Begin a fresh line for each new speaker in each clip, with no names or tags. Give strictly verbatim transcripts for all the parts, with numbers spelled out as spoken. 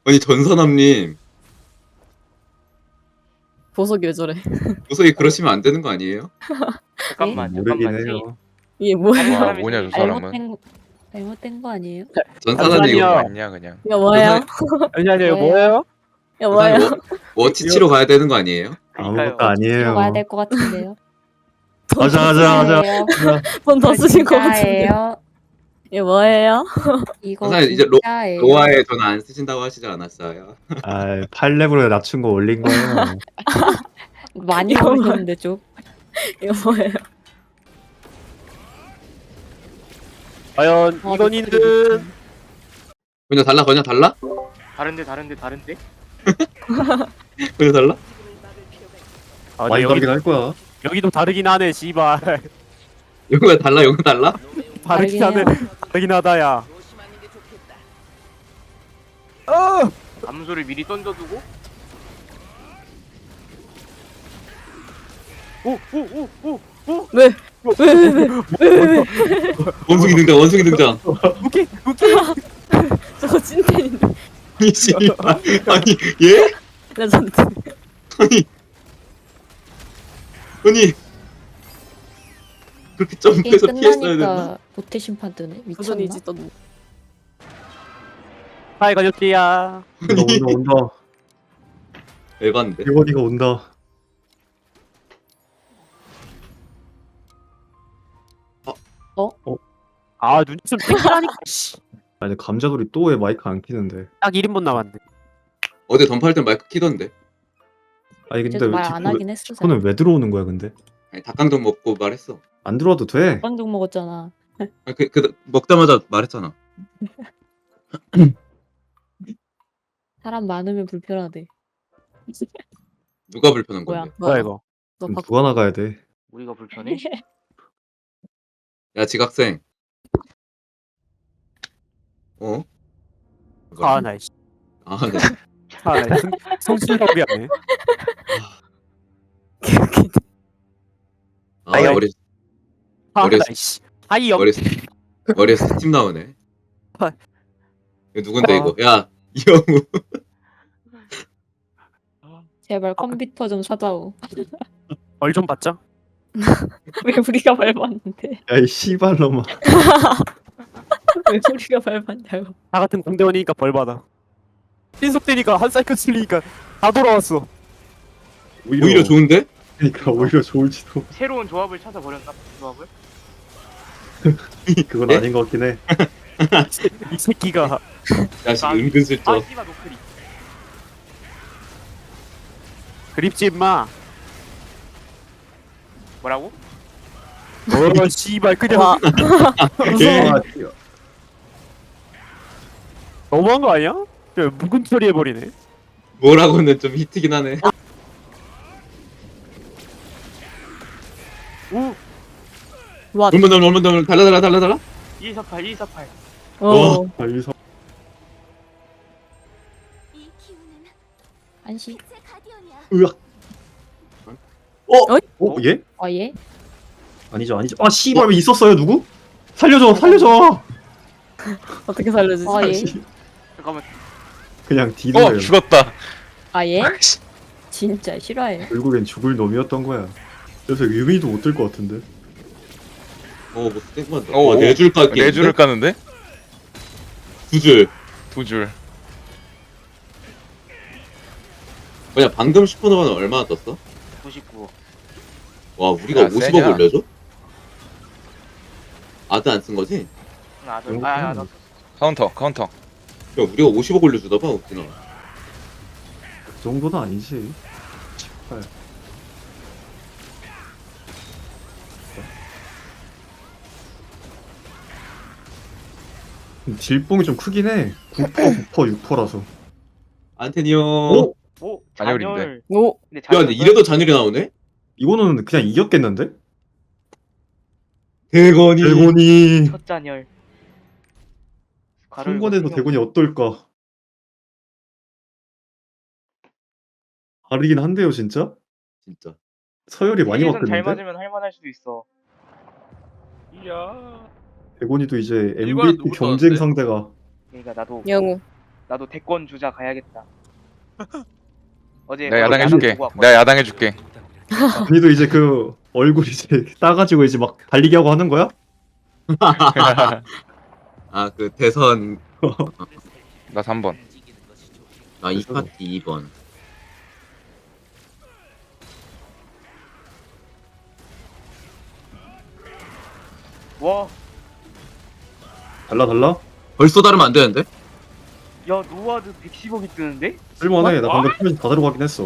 아니 전선함님
보석이 왜 저래?
보석이 그러시면 안 되는 거 아니에요?
잠깐만
모르긴
잠깐만
해요.
이게 뭐야?
다른
와
사람이
뭐냐 저
있으니까.
사람은.
잘못된 거 잘못된 거 아니에요?
전산함님
잠시만요.
이거
맞냐 그냥.
이거 뭐예요?
아니 아니
뭐예요?
뭐예요?
이거 뭐예요?
전산함 워- 워치치로 가야 되는 거 아니에요?
아무것도
그러니까요.
아니에요.
들어가야 될 것 같은데요.
가자 가자 가자.
돈 더 쓰신 것 같은데.
진짜예요.
이거 뭐예요?
이거
선생님, 이제 로-
진짜예요.
로아에 전화 안 쓰신다고 하시지 않았어요?
아, 팔 레벨에 낮춘 거 올린 거예요.
많이
이거
올렸는데 좀.
이거 뭐예요?
과연
아,
이건희는
그냥 달라 그냥 달라?
다른데 다른데 다른데?
그냥 달라?
아,
많이
근데
다르긴
여기,
할 거야.
여기도 다르긴 하네 씨발.
이거가 달라 이거 달라?
다르긴 하네.
다르긴
다르긴 하다야. 어!
암소를 미리 던져두고
오오오오오
왜? 왜? 왜? 왜?
원숭이 등장 원숭이 등장
웃기 웃기.
저거 찐텐인데.
아니 씨발 아니 예?
레전드.
아니 아니 그렇게
게임
점프해서 피했어야 됐나?
끝나니까 모태 심판 뜨네. 미쳤나?
도전이지 또.
하이 가족들이야.
온다 온다 온다.
에반데
이건이가 온다.
아 눈치 좀 땡기라니까. 씨.
아니 감자돌이 또 왜 마이크 안 키는데?
딱 일 인분 남았네.
어제 던파할 땐 마이크 키던데
아니 근데
그래도
왜
말 안
디코,
하긴 했어.
디코는 왜 들어오는 거야 근데?
아니 닭강정 먹고 말했어
안 들어와도 돼.
반죽 먹었잖아.
아니, 그, 그 먹자마자 말했잖아
사람 많으면 불편하대.
누가 불편한
뭐야?
건데
뭐야 이거?
너
그럼
바꿔.
누가 나가야 돼?
우리가 불편해?
야 지각생 어?
아나 씨.
아 네.
아나 성실하게 하네.
아
아이고.
머리
아나
어렸어.
씨. 하이 영.
머리 머리에서 스팀 나오네
아.
이거 누군데
아.
이거 야 이영우
제발 컴퓨터 좀 사다오.
얼 좀 받자.
왜 우리가 밟았는데?
야이 씨발놈아.
왜 우리가 밟았냐고.
다 같은 공대원이니까 벌 받아. 신속되니까 한 사이클 쓸리니까 다 돌아왔어.
오히려 좋은데?
그러니까 오히려 좋을지도.
새로운 조합을 찾아버렸나? 조합을?
그건
네?
아닌 것 같긴 해.
이 새끼가
야씨
아,
은근슬쩍
아 씨발 노크리
그립지 임마.
뭐라고?
어 씨발 그냥
와.
예.
아,
너무한 거 아니야? 야, 묵은 처리해버리네.
뭐라고는 좀 히트긴 하네
우
와.
얼마 더 얼마 더 달라 달라 달라 달라
이사팔 이사팔
어.
아, 여기서
안시.
으악.
어?
어? 얘?
아 예?
아니죠 아니죠. 아 씨발 왜 있었어요 누구? 살려줘 살려줘.
어떻게 살려주지?
아 예?
잠깐만
그냥 디는
어
거예요.
죽었다.
아 예? 진짜 싫어해.
결국엔 죽을 놈이었던 거야. 그래서 유미도 못 들 것 같은데.
어뭐 땡만다
어,
와
오.
네줄 깎기
네 줄을 까는데
두줄
두 줄.
뭐냐 방금 슈퍼노바는 얼마나 떴어?
구십구
와 우리가
야,
오십억
세냐?
올려줘? 아드 안 쓴 거지?
아나
음.
아, 나
카운터 카운터.
야 우리가 오십억 올려주나 봐 웃기나
그 정도는 아니지. 씨발. 딜뽕이 좀 크긴 해. 구 퍼, 구 퍼, 육 퍼라서.
안테니오
오?
오
잔열인데.
잔열
오.
근데
야 근데 이래도 잔율이 나오네?
이거는 그냥 이겼겠는데?
대건이
대곤이
첫 잔열 괄호
한권에서
이거
대곤이 어떨까? 다르긴 한데요 진짜?
진짜
서열이 많이
세계선 잘
바뀌었는데?
맞으면 할만할 수도 있어
이야.
대곤이도 이제
일과는
엠브이피
누구
경쟁
나왔는데?
상대가
그러니까 나도
영우.
나도 대권 주자 가야겠다. 어제
내가
거기
야당해줄게.
보고 왔거든.
내가 야당해줄게.
언니도 이제 그 얼굴 이제 따가지고 이제 막 달리기 하고 하는 거야?
아 그 대선
나 삼 번.
아 이 파티 이 번.
와,
달라 달라?
벌써 다르면 안 되는데?
야 노아드 백십억이 뜨는데?
쓸만해. 나 방금 표면 다 들어가긴 했어.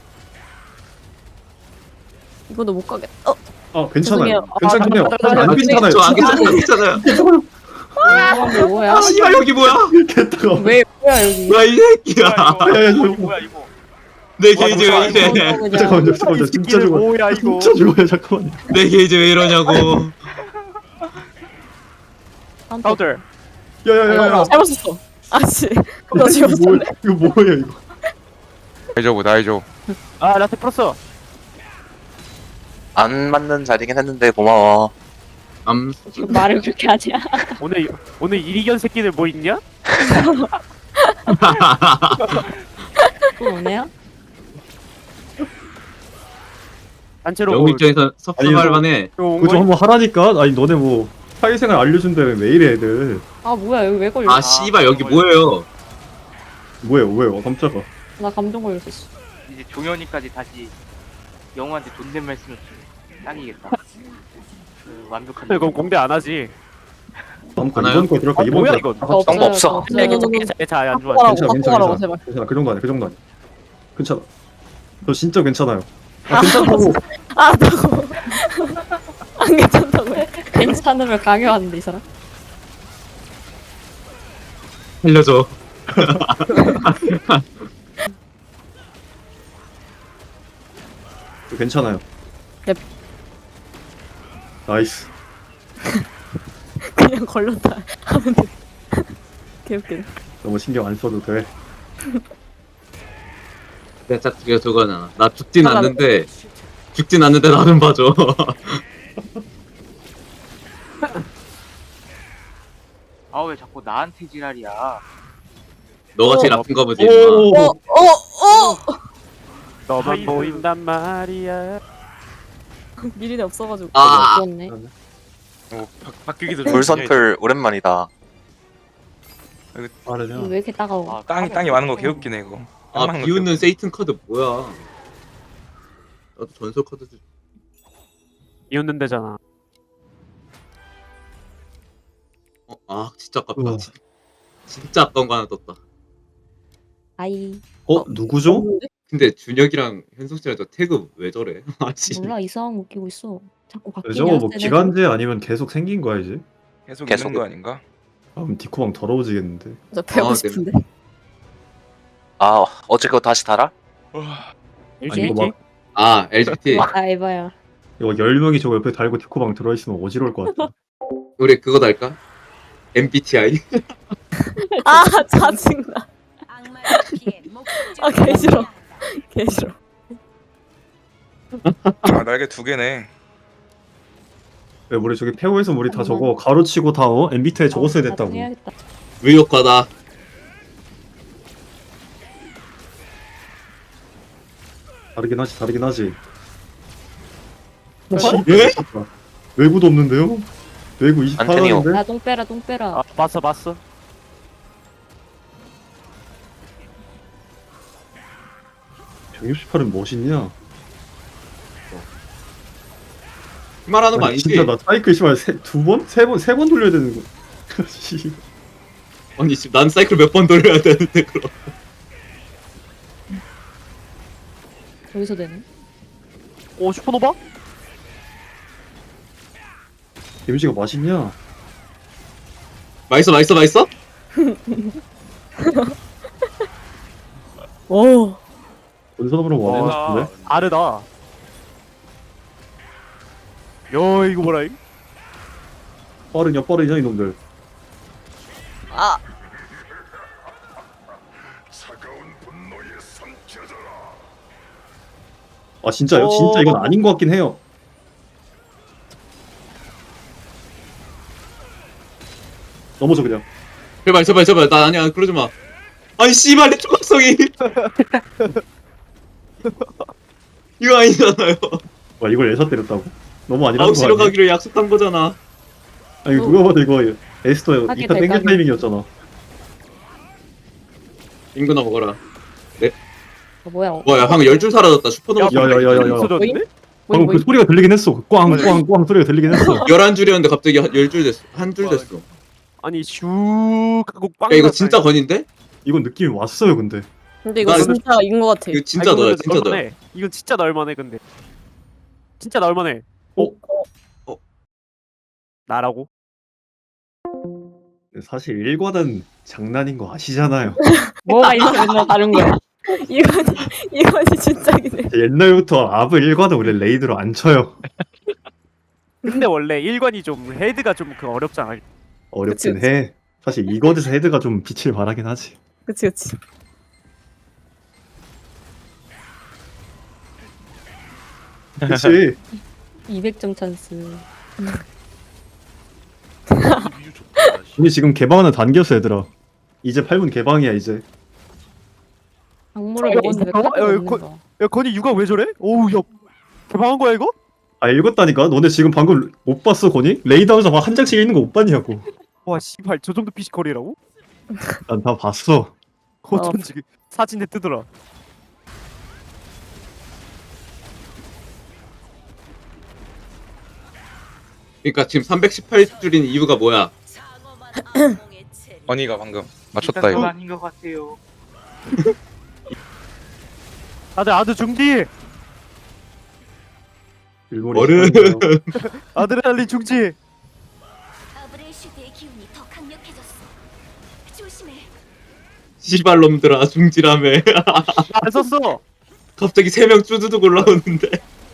이거도 못 가겠다. 어,
아 괜찮아요.
죄송해요. 아,
괜찮긴 해요.
나- 나-
안
나-
괜찮아요.
저안 괜찮아요. 괜찮아요.
괜찮아요.
이거 뭐야?
아 씨발 여기 뭐야?
개따가.
왜 뭐야 여기?
뭐야 이 새끼야.
뭐야
야, 야,
이거?
이거.
뭐야 이거?
내 게이지 왜
이거
이래?
그냥
잠깐만요.
이
잠깐만요. 진짜
새끼는
죽어요.
뭐야 이거.
진짜 죽어요. 잠깐만요.
내 게이지 왜 이러냐고.
카운터.
카운터.
야야야야.
잘못 썼어. 아씨, 너
이거
지금
뭐야?
썼네.
이거 뭐예요 이거?
나이저브 나이저.
아 라테 풀었어.
안 맞는 자리긴 했는데 고마워.
암
지금 말을 그렇게 하지?
오늘 오늘 이리견 새끼들 뭐 있냐?
또 오네요?
단체로
영우
뭐
입장에서 섭섭할 만해.
온
그거 좀
거야?
한번 하라니까. 아니 너네 뭐 사회생활 알려준다며 왜 이래 애들.
아 뭐야 여기 왜 걸려?
아 씨발 여기 뭐예요?
뭐예요 뭐예요? 깜짝아.
나 감정 걸렸어.
이제 종현이까지 다시 영우한테 존댓말 쓰면 딱이겠다. 그 완벽한.
그럼 공대 안 하지.
다음 거
하나요?
이번 거 들어갈까?
아,
이번
뭐야,
거.
이건?
다
저
같이.
정보 없어.
없어요.
네, 괜찮아 괜찮아 안 좋아.
바꾸라고,
괜찮아 괜찮아
바꾸라고,
괜찮아.
제발.
괜찮아 그 정도 아니야 그 정도 아니야. 괜찮아. 저 진짜 괜찮아요. 아, 괜찮다고.
아, 나고. 안 괜찮다고 해.
괜찮음을 강요하는데 이 사람.
살려줘.
저 괜찮아요.
넵.
나이스.
그냥 걸렸다 하면 돼. 개웃기네.
너무 신경 안 써도 돼.
내가 딱 그게 저거잖아. 나 죽진
하나.
않는데 죽진 않는데 나는 봐줘.
아 왜 자꾸 나한테 지랄이야?
너가 제일
어.
아픈 거 보지. 임마.
오.
어, 어, 어!
너만
하이브.
보인단 말이야.
미리네 없어가지고.
아,
그렇네.
어, 바, 바뀌기도
돌선풀 오랜만이다.
빠르냐?
이거 왜 이렇게 따가워?
아,
땅이 땅이 많은 거 개웃기네 이거.
아 비웃는 세이튼 카드 뭐야? 나도 전설 카드 주.
이웃는 데잖아.
어, 아 진짜 아깝다.
우와.
진, 진짜 아까운 거 하나 떴다.
아이
어 누구죠?
근데 준혁이랑 현석 씨랑 저 태그 왜 저래? 아씨.
몰라 이상한 거 웃기고 있어. 자꾸 바뀌냐?
저거 뭐
쟤네들.
기간제 아니면 계속 생긴 거야 이제?
계속,
계속
있는 거 아닌가?
아 그럼 디코방 더러워지겠는데.
저 배우고
아,
싶은데.
아 어제 그거 다시 달아?
일지
아니, 이거
일지.
막
아 엘지티.
아 에바야.
이거 열 명이 저거 옆에 달고 디코방 들어있으면 어지러울 것 같아.
우리 그거 달까? 엠비티아이.
아, 짜증나. 아, 개 싫어. 개 싫어.
아 날개 두 개네.
왜 우리 저기 페오에서 우리 다 저거 가로치고 다 어? 엠비티아이 저거 써야 됐다고.
나중에 해야겠다.
의욕과다.
다르긴 하지 다르긴 하지.
뭐?
예?
외구도 없는데요? 외구
안테니오.
이십팔 원인데?
야 똥 빼라 똥 빼라.
아 봤어 봤어.
백육십팔은 멋있냐?
말하는 거
아니,
아니지?
진짜 나 사이클 씨발 세, 두 번? 세 번? 세 번 돌려야 되는 거. 씨.
아니 지금 난 사이클 몇 번 돌려야 되는데 그럼.
여기서 되네.
오 슈퍼노바?
데미지가 맛있냐?
맛있어 맛있어 맛있어?
오.
원선으로 원해는
와.
싶은데?
다르다. 요 이거 뭐라 이거?
빠르냐 빠르냐 이놈들.
아,
아 진짜요? 진짜 이건 아닌 것 같긴 해요. 넘어져 그냥.
제발 제발 제발 나 아니야 그러지 마. 아니 씨발 내 조각성이 이거 아니잖아요.
와 이걸 에서 때렸다고? 너무 아니라는 거
아웃시로
아니야?
가기로 약속한 거잖아.
아니 누가 봐도 이거 에스터
하게
이 타 땡길
될까요?
타이밍이었잖아.
인구나 먹어라.
어, 뭐야? 어,
와야 방금 열 줄 사라졌다. 슈퍼노바
야, 야, 야, 야, 야.
없어졌는데?
방금 그 소리가 들리긴 했어. 꽝꽝꽝 소리가 들리긴 했어.
열한 줄이었는데 갑자기 열 줄 됐어. 한 줄 됐어.
아니 슉 하고 빵.
야 이거 진짜 건인데?
이건 느낌이 왔어요 근데.
근데 이거
나 이거-
진짜 이긴 것 같아.
이거 진짜 너야 진짜 너야.
너야. 이건 진짜 나올만해 근데. 진짜 나올만해.
어? 어?
나라고?
사실 일과는 장난인 거 아시잖아요.
뭐가 이렇게 맨날 다른 거야?
이건이 이건이 진짜이네.
옛날부터 아브 일과는 원래 레이드로 안 쳐요.
근데 원래 일관이 좀 헤드가 좀 그 어렵잖아.
어렵긴
그치,
해. 사실 이거에서 헤드가 좀 빛을 발하긴 하지.
그치 그치.
그치?
이백 점 찬스.
우리 지금 개방하는 단계였어 얘들아. 이제 팔 분 개방이야 이제.
악물을
어,
먹었는데
어,
카드
어,
없는
거-
거.
야 건이 육아 왜 저래? 오우 야 개방한 거야 이거?
아 읽었다니까? 너네 지금 방금 못 봤어 거니? 레이드하면서 막 한 장씩 읽는 거 못 봤냐고.
와 씨발 저 정도 피지컬이라고?
난 다 봤어.
어쩐지 그 사진에 뜨더라.
그러니까 지금 삼백십팔 줄인 이유가 뭐야?
건이가 방금 맞췄다
일단 좀
이거.
아닌 것 같아요.
다들 아드 중지.
일본이
어른.
시작이에요.
아드레날린 중지.
아브레슈드의 기운이 더 강력해졌어. 조심해.
씨발놈들아 중지라며.
안 썼어.
갑자기 세 명 쭈두둑 올라오는데.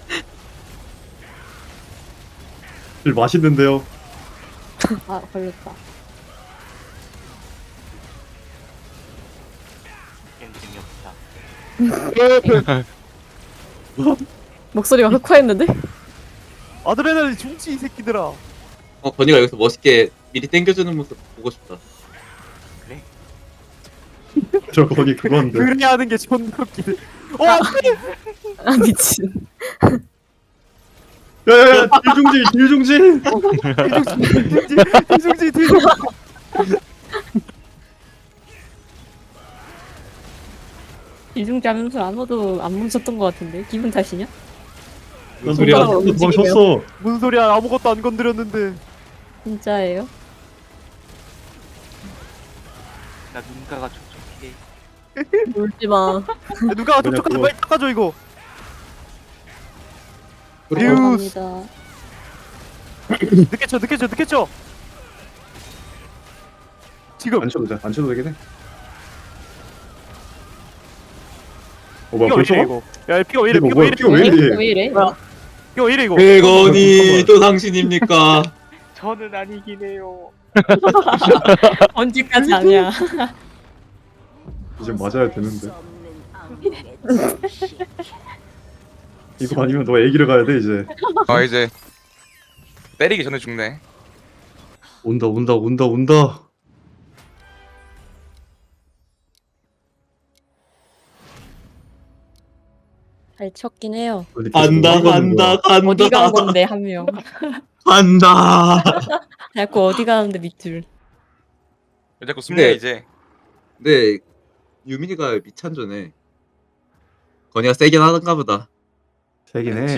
일 맛있는데요.
아 걸렸다.
게임 재미없다.
목소리가 흑화했는데?
아드레날린 중지 이 새끼들아.
어 건이가 여기서 멋있게 미리 땡겨주는 모습 보고 싶다.
저 거기 그건데.
그래 하는 게 존나 웃기네. 어
아 미친.
야야야 딜중지 딜중지.
뒤중지 뒤중지.
이중지 하면서 아무도 안 멈췄던 것 같은데 기분 탓이냐?
난
소리야?
손가락으로 도망쳤어.
무슨 소리야 아무것도 안 건드렸는데.
진짜예요?
나 눈가가 촉촉해.
울지 마.
야, 누가 촉촉한데
그거-
빨리 닦아줘 이거.
그리고
감사합니다.
늦게 쳐 늦게 쳐 늦게 쳐. 지금
안 쳐도 돼. 안 쳐도 되긴 해. 어 뭐야
피가 왜
벌써
이래
가?
이거. 야 피가 왜 이래
이거
피가 왜
뭐야
이래
피가 왜 이래?
왜 이래?
뭐야?
피가 왜 이래 이거.
백건이 또 당신입니까?
저는 아니긴 해요.
언제까지 아니야?
이제 맞아야 되는데. 이거 아니면 너 애기를 가야 돼 이제.
아 이제 때리기 전에 죽네.
온다 온다 온다 온다.
잘 쳤긴 해요.
간다 간다 간다.
어디 간 건데 한 명.
간다.
자꾸 어디 가는데 밑줄.
왜 자꾸 숨냐
근데-
이제.
근데 유민이가 미찬조네. 건이가 세긴 하던가 보다.
세긴 해.